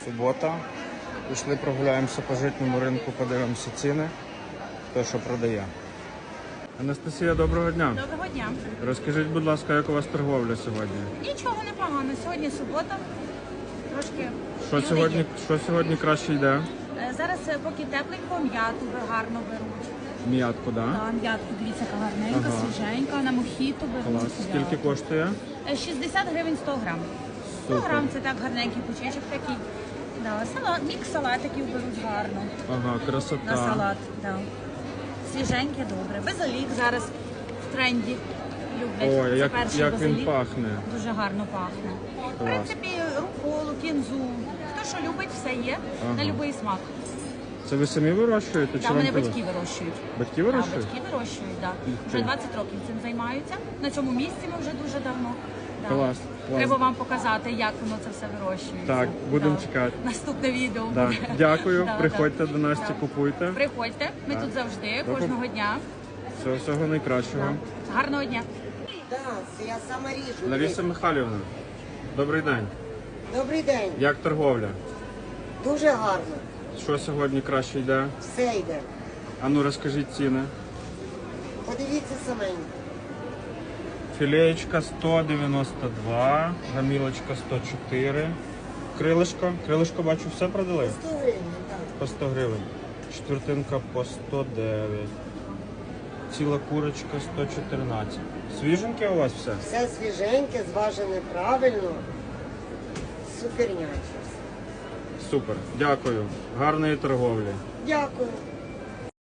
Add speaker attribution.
Speaker 1: Субота. Пішли прогуляємося по житньому ринку, подивимося ціни, хто що продає. Анастасія, доброго дня.
Speaker 2: Доброго дня.
Speaker 1: Розкажіть, будь ласка, як у вас торговля сьогодні?
Speaker 2: Нічого не погано. Сьогодні субота. Трошки
Speaker 1: Що сьогодні краще йде?
Speaker 2: Зараз поки тепленько, м'яту гарно беруть.
Speaker 1: М'ятку, так?
Speaker 2: Да, м'ятку, дивіться, яка гарненька, свіженька, на мохіто беруть.
Speaker 1: Клас. Скільки коштує?
Speaker 2: 60 гривень 100 грам. 100 грам це так гарненький пучечок такий. Да, мікс салатиків беруть гарно.
Speaker 1: Ага, красота.
Speaker 2: На салат, да. Свіженьке, добре. Базилік зараз в тренді люблять.
Speaker 1: Ой,
Speaker 2: Це перший
Speaker 1: як
Speaker 2: базилік.
Speaker 1: він пахне.
Speaker 2: Дуже гарно пахне. В принципі, руколу, кінзу. Хто що любить, все є. На будь-який смак.
Speaker 1: Це ви самі вирощуєте?
Speaker 2: Там мене батьки вирощують.
Speaker 1: Батьки вирощують?
Speaker 2: Так, батьки вирощують, так. Вже 20 років цим займаються. На цьому місці ми вже дуже давно. Да.
Speaker 1: Клас.
Speaker 2: Треба вам показати, як воно це все вирощується.
Speaker 1: Так, будемо
Speaker 2: Да.
Speaker 1: чекати.
Speaker 2: Наступне відео
Speaker 1: Да.
Speaker 2: буде.
Speaker 1: Дякую,
Speaker 2: Да,
Speaker 1: приходьте
Speaker 2: да.
Speaker 1: до Насті,
Speaker 2: Да.
Speaker 1: купуйте.
Speaker 2: Приходьте, ми тут завжди,
Speaker 1: До
Speaker 2: кожного дня.
Speaker 1: Всього найкращого.
Speaker 2: Гарного дня.
Speaker 3: Так, я сама ріжу.
Speaker 1: Лариса Михайлівна, добрий день.
Speaker 3: Добрий день.
Speaker 1: Як торговля?
Speaker 3: Дуже гарно.
Speaker 1: Що сьогодні краще йде?
Speaker 3: Все йде.
Speaker 1: А ну розкажіть ціни.
Speaker 3: Подивіться саменько.
Speaker 1: Філеєчка 192, гамілочка 104. Крилишко, бачу, все продали?
Speaker 3: 100 гривень, так.
Speaker 1: По 100 гривень. Четвертинка по 109. Ціла курочка 114. Свіженьке у вас все?
Speaker 3: Все свіженьке, зважене правильно. Суперняче.
Speaker 1: Супер. Дякую. Гарної торговлі.
Speaker 3: Дякую.